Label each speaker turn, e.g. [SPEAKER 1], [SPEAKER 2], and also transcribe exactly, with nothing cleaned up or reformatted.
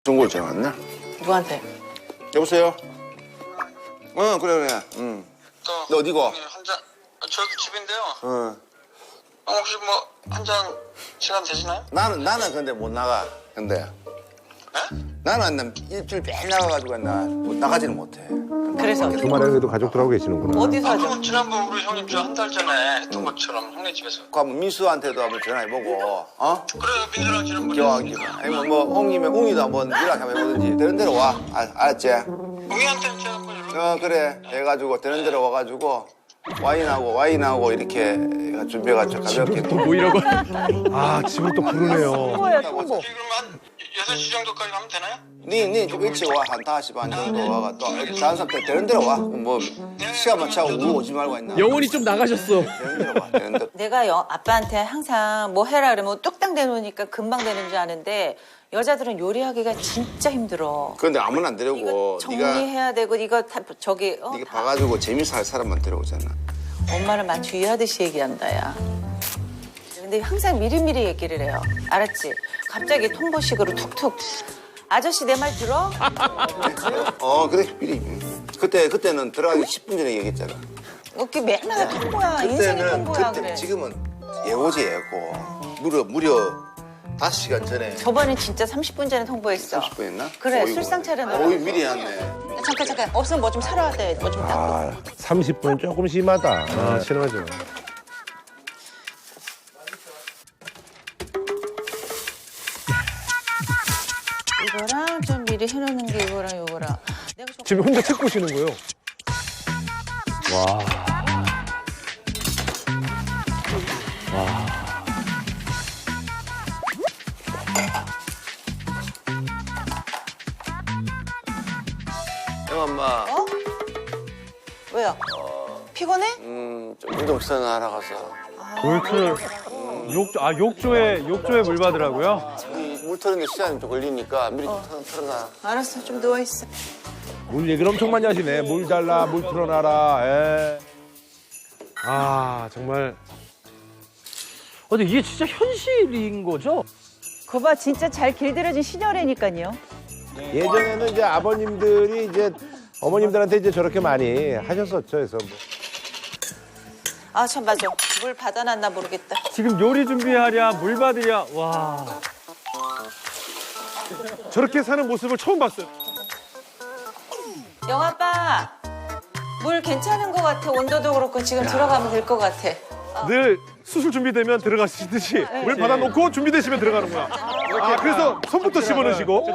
[SPEAKER 1] 중국어 전화 왔나?
[SPEAKER 2] 누구한테?
[SPEAKER 1] 여보세요? 응, 그래, 그래. 응. 너 어디고?
[SPEAKER 3] 한잔 저도 집인데요.
[SPEAKER 1] 응.
[SPEAKER 3] 어, 혹시 뭐 한 잔 시간 되시나요?
[SPEAKER 1] 나는, 나는 근데 못 나가. 근데.
[SPEAKER 3] 네?
[SPEAKER 1] 나는 난 일주일 매일 나가가지고 나 못 나가지는 못해.
[SPEAKER 2] 그래서
[SPEAKER 4] 주말에도 가족들하고 계시는구나.
[SPEAKER 2] 어디서
[SPEAKER 3] 아,
[SPEAKER 2] 하죠?
[SPEAKER 3] 그럼 지난번 우리 형님 저 한 달 전에 했던 것처럼 형네 집에서.
[SPEAKER 1] 그 한번 민수한테도 한번 전화해보고, 어?
[SPEAKER 3] 그래요, 민수랑 지난번에
[SPEAKER 1] 기왕,
[SPEAKER 3] 했으니까.
[SPEAKER 1] 아니면 뭐, 옹이면 옹이도 한번 연락 한번 해보든지. 되는 대로 와. 알, 알았지?
[SPEAKER 3] 웅이한테는 제가 한번 연락.
[SPEAKER 1] 어, 그래. 해가지고, 되는 대로 와가지고, 와인하고, 와인하고, 이렇게 준비해가지고 가볍게.
[SPEAKER 4] 또 모이라고. 아, 집을 또 부르네요.
[SPEAKER 2] 홍보야 홍보.
[SPEAKER 3] 그럼 한 여섯 시 정도까지 가면 되나요?
[SPEAKER 1] 니, 니 좀 일찍 와. 한 다섯 시 반 정도 와가 또, 다른 사람 때 되는 대로 와. 뭐, 시간만 차고 우고 오지 말고 있나.
[SPEAKER 5] 영혼이 좀 나가셨어.
[SPEAKER 1] 되는 대로 와. 되는 대로.
[SPEAKER 2] 내가 여, 아빠한테 항상 뭐 해라 그러면 뚝딱 내놓으니까 금방 되는 줄 아는데 여자들은 요리하기가 진짜 힘들어.
[SPEAKER 1] 그런데 아무나 안
[SPEAKER 2] 이거
[SPEAKER 1] 데려고, 네가,
[SPEAKER 2] 정리해야 되고 이거 다 저기 어,
[SPEAKER 1] 네가
[SPEAKER 2] 다
[SPEAKER 1] 봐가지고 재밌어 할 사람만 데려오잖아.
[SPEAKER 2] 엄마를 마치 위하듯이 얘기한다 야. 근데 항상 미리미리 얘기를 해요. 알았지? 갑자기 통보식으로 툭툭. 아저씨 내 말 들어?
[SPEAKER 1] 어, 그래, 미리. 그때, 그때는 들어가기 십 분 전에 얘기했잖아.
[SPEAKER 2] 이렇게 맨날 통보야. 인생이 통보야
[SPEAKER 1] 그때,
[SPEAKER 2] 그래.
[SPEAKER 1] 지금은 예고지, 예고. 무려, 무려 다섯 시간 전에.
[SPEAKER 2] 저번에 진짜 삼십 분 전에 통보했어.
[SPEAKER 1] 삼십 분 했나?
[SPEAKER 2] 그래,
[SPEAKER 1] 어이구.
[SPEAKER 2] 술상 차려놓으라고.
[SPEAKER 1] 어이, 미리 했네.
[SPEAKER 2] 잠깐 잠깐 없으면 뭐 좀 사러 왔다 뭐 좀 닦고.
[SPEAKER 4] 아, 삼십 분은 조금 심하다. 아, 심하죠.
[SPEAKER 2] 이거랑 좀 미리 해놓는 게 이거랑 이거랑. 내가 좀
[SPEAKER 4] 지금 혼자 책 보시는 거예요? 와.
[SPEAKER 1] 형 엄마,
[SPEAKER 2] 어? 왜요? 피곤해?
[SPEAKER 1] 음, 좀 운동 전화하러 가서.
[SPEAKER 6] 물틀 욕, 아 욕조에 욕조에 물 받으라고요?
[SPEAKER 1] 우리 물 트는데 시간이 좀 걸리니까 미리 좀 틀어, 틀어놔.
[SPEAKER 2] 알았어, 좀 누워 있어.
[SPEAKER 4] 물 얘기를 엄청 많이 하시네. 물 달라, 물 틀어놔라. 에.
[SPEAKER 6] 아 정말. 어, 근데 이게 진짜 현실인 거죠?
[SPEAKER 7] 거봐 진짜 잘 길들여진 시녀라니까요.
[SPEAKER 4] 예전에는 이제 아버님들이 이제 어머님들한테 이제 저렇게 많이 하셨었죠. 그래서 뭐.
[SPEAKER 2] 아, 참 맞아. 물 받아놨나 모르겠다.
[SPEAKER 6] 지금 요리 준비하랴 물 받으랴 와.
[SPEAKER 4] 저렇게 사는 모습을 처음 봤어요.
[SPEAKER 2] 영아빠, 물 괜찮은 것 같아. 온도도 그렇고 지금 들어가면 될 것 같아.
[SPEAKER 4] 늘 수술 준비되면 들어가시듯이 물 받아놓고 준비되시면 들어가는 거야. 아, 그래서 손부터 집어넣으시고.